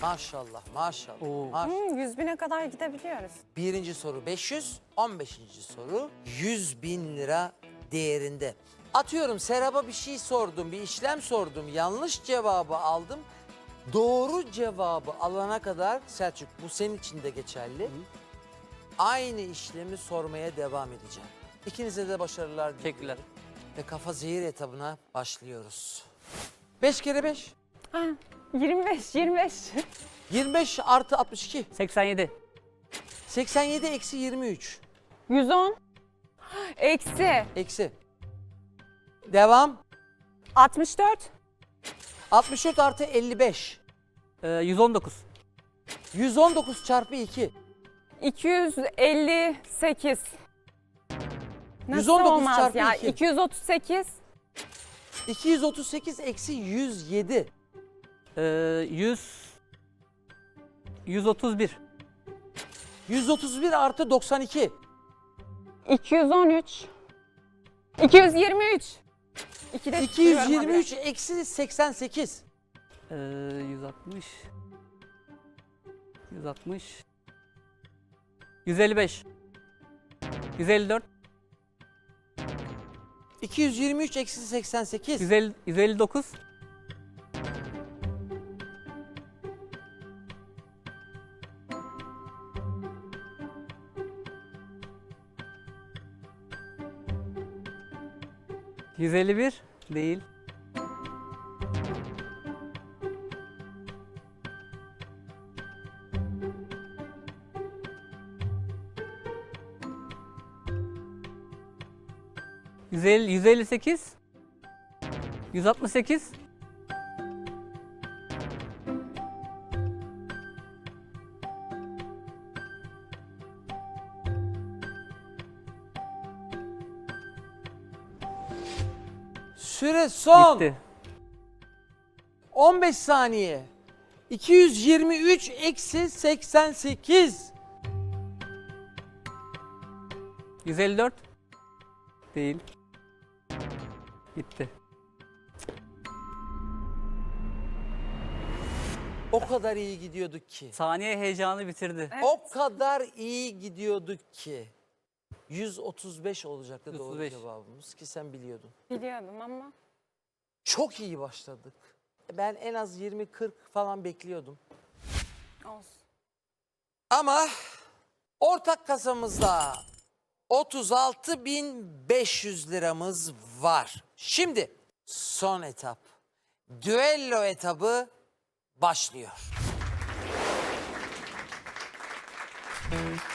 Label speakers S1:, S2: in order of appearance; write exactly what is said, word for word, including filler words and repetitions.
S1: Maşallah, maşallah.
S2: Oo.
S1: maşallah.
S3: Hmm, yüz bine kadar gidebiliyoruz.
S1: Birinci soru beş yüz, on beşinci soru yüz bin lira değerinde. Atıyorum Serap'a bir şey sordum, bir işlem sordum, yanlış cevabı aldım. Doğru cevabı alana kadar Selçuk, bu senin için de geçerli. Hı. Aynı işlemi sormaya devam edeceğim. İkinize de başarılar diliyorum.
S2: Teşekkürler.
S1: Ve kafa zehir etabına başlıyoruz. beş kere beş.
S3: Ha, yirmi beş, yirmi beş.
S1: yirmi beş artı altmış iki.
S2: seksen yedi.
S1: seksen yedi eksi yirmi üç.
S3: yüz on. Eksi.
S1: Eksi. Devam.
S3: altmış dört.
S1: altmış dört artı elli beş.
S2: Ee, yüz on dokuz.
S1: yüz on dokuz çarpı iki.
S3: iki yüz elli sekiz. Nasıl
S1: yüz on dokuz
S3: olmaz
S1: çarpı
S3: ya?
S1: iki.
S3: iki yüz otuz sekiz.
S1: iki yüz otuz sekiz eksi yüz yedi.
S2: Ee, yüz. yüz otuz bir.
S1: yüz otuz bir artı doksan iki.
S3: iki yüz on üç. iki yüz yirmi üç. İkide
S1: iki yüz
S3: tutuyorum
S1: yirmi
S3: abi.
S1: üç eksi seksen sekiz.
S2: Ee, yüz altmış. yüz altmış. yüz elli beş. yüz elli dört.
S1: iki yüz yirmi üç eksi seksen sekiz.
S2: yüz elli, yüz elli dokuz. yüz elli bir değil. yüz elli, yüz elli sekiz. yüz altmış sekiz.
S1: Süre son.
S2: Bitti.
S1: on beş saniye. iki yüz yirmi üç eksi seksen sekiz.
S2: yüz elli dört. Değil. Bitti.
S1: O kadar iyi gidiyorduk ki.
S2: Saniye heyecanı bitirdi.
S1: O kadar iyi gidiyorduk ki. yüz otuz beş olacaktı
S2: yüz
S1: doğru
S2: otuz beş.
S1: cevabımız ki sen biliyordun.
S3: Biliyordum ama.
S1: Çok iyi başladık. Ben en az yirmi kırk falan bekliyordum.
S3: Olsun.
S1: Ama ortak kasamızda otuz altı bin beş yüz liramız var. Şimdi son etap. Düello etabı başlıyor.